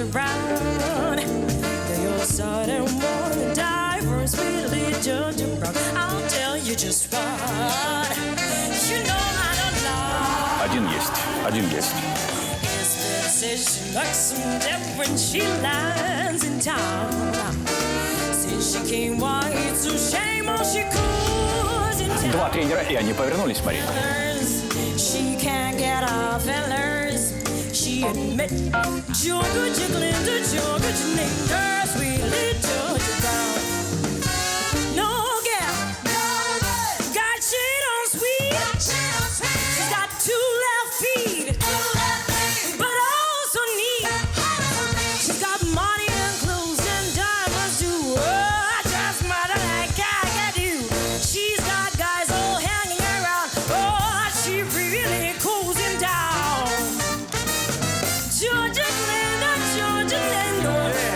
around. You're sudden one diverse, really Georgia Brown. I'll tell you just what. You know I don't lie. Один есть. His says she looks some different, she lands in town. Says she can't wait, so shame on she cools in town. Два тренера, и они повернулись, Марина. She can't get off fellers. She admit Georgia Glinda, Georgia named her sweetly Georgia Brown. No gal, got shit on sweet. She's got two left feet, but also neat. She's got money and clothes and diamonds too. Oh, just mother like I do. She's got guys all hanging around. Oh, she really cools him down. Georgia Glinda, Georgia Glinda,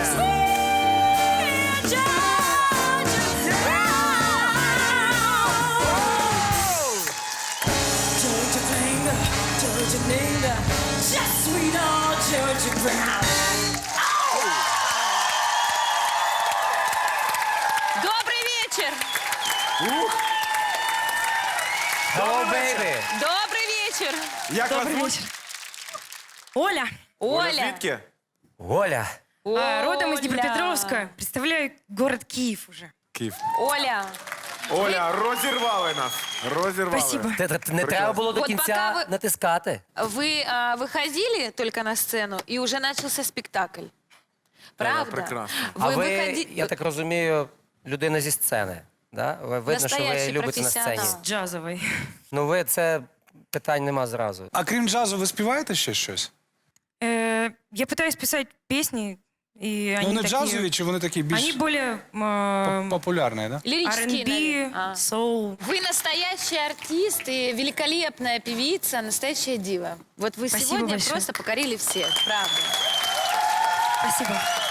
sweet Georgia Brown. Georgia Glinda, Georgia Glinda, just sweet old Georgia Brown. Добрый вечер! Hello, baby! Добрый вечер! Як вас звуть? Оля, Оля! Звідки? Оля! родом из Оля. Днепропетровска. Представляю город Киев уже. Київ. Оля! Оля, розірвали нас. Розірвали. Спасибо. Не треба було до От кінця поки ви- натискати. Вы выходили только на сцену, и уже начался спектакль. Правда? прекрасно. А ви, выходи- я так розумію, людина зі сцени. Да? Видно, що ви Настоящий любите на сцені. професіонал. Джазовый. Ну ви це питань нема зразу. А крім джазу, ви співаєте ще щось? Я пытаюсь писать песни, и Ну, они вони такие... джазові, чи вони такі Они більш более популярні, да? Лирические, R&B, наверное. soul. Вы настоящий артист и великолепная певица, настоящая дива. Вот вы Спасибо сегодня большое. просто покорили всех, правда. Спасибо.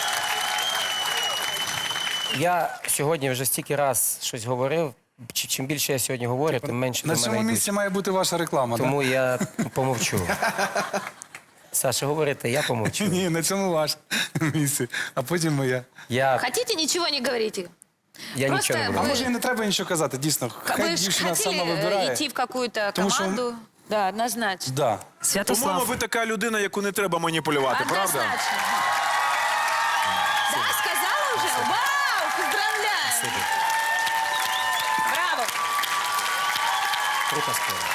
Я сьогодні вже стільки раз щось говорив. Чим більше я сьогодні говорю, тим менше На до цьому мене місці йдуть. має бути ваша реклама, Тому я помовчу. Саша, говорите, я так? помовчу. Ні, на цьому ваше місце, а потім моя. Я Хотите, ничего не говорите. нічого не Просто А буду. може і не треба нічого казати, дійсно. Хай Вы же дівчина сама хотели вибирає. идти в какую-то Потому что- команду? Да, однозначно. Да. По-моєму, Святослав. ви така людина, яку не треба маніпулювати, правда? Однозначно. Да, сказала уже? Вау, поздравляю. Браво. Круто сказано.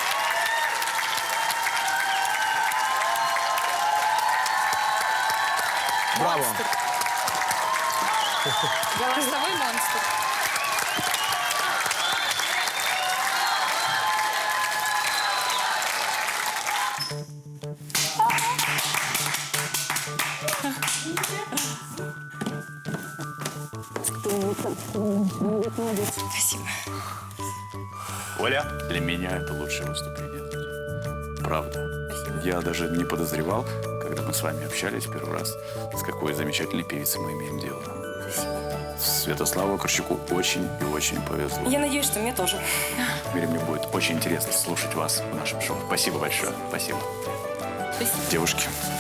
Браво. Голосовой монстр. Спасибо. Оля, для меня это лучшее выступление. Правда. Я даже не подозревал, когда мы с вами общались первый раз, с какой замечательной певицей мы имеем дело. Святославу Корчаку очень и очень повезло. Я надеюсь, что мне тоже. Теперь мне будет очень интересно слушать вас в нашем шоу. Спасибо большое. Спасибо. Девушки,